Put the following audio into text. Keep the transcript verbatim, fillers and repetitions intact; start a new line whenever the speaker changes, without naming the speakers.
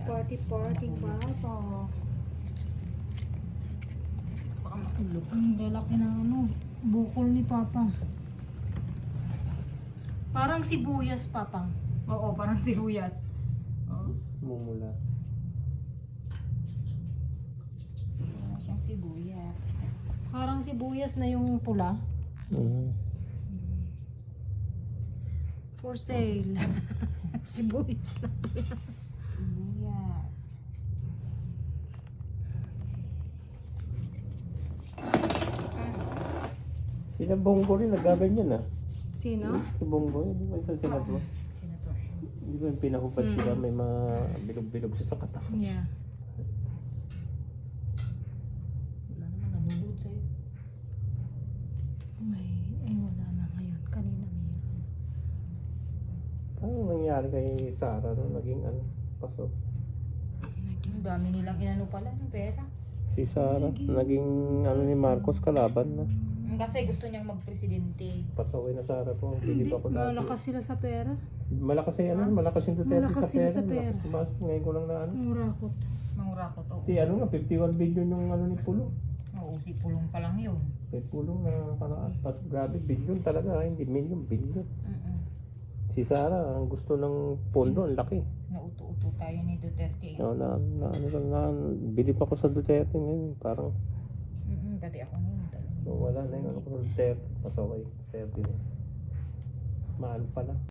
Party party ba? So,
Baka makulog.
ang lalaki ng ano, bukol ni Papa. Parang sibuyas, Papa.
Oo, parang sibuyas. Oo.
Mumula.
Wala siyang sibuyas.
Parang sibuyas na yung pula.
Mm.
For sale. Sibuyas na pula.
Sibuyas.
Sila Bongo rin nagaganyan ah.
Sino?
Si Bongo, hindi ba isa sila to?
Senator.
Hindi ba yung pinahubad
Mm.
sila, may mga bilog-bilog sa sakata.
Yeah.
Wala naman nalulod sa'yo.
May, eh wala na ngayon. Kanina mayroon.
Ano nangyari kay Sarah nung naging ano, paso?
Ang dami nilang inano pala ng pera.
Si Sarah, naging ano ni Marcos kalaban na.
Mm, Kasi gusto niyang magpresidente.
Pasaway na Sarah po, hindi pa ako dati.
Malakas sila sa pera.
Malakas yung ano, malakas yung Duterte
Malakas
sa
sila
pera.
sa pera.
Malakas tumaas, ngayon ko lang na ano.
Murakot.
Mangurakot ako.
Si ano nga, fifty-one billion yung ano ni Pulo.
Oo, si Pulong pa lang yun.
May Pulong na karaan. Pas grabe, billion talaga, ah, hindi million, billion.
Mm-mm.
Si Sarah, ang gusto ng pondo, ang laki.
Nauto-uto tayo ni Duterte. eh.
No, na, na, ano lang na, bilib ako sa Duterte ngayon. Parang,
Mm-mm, Pati ako ngayon talaga.
so, wala na yung ano ko sa Duterte. Pasaway, Duterte na. Mahal pala.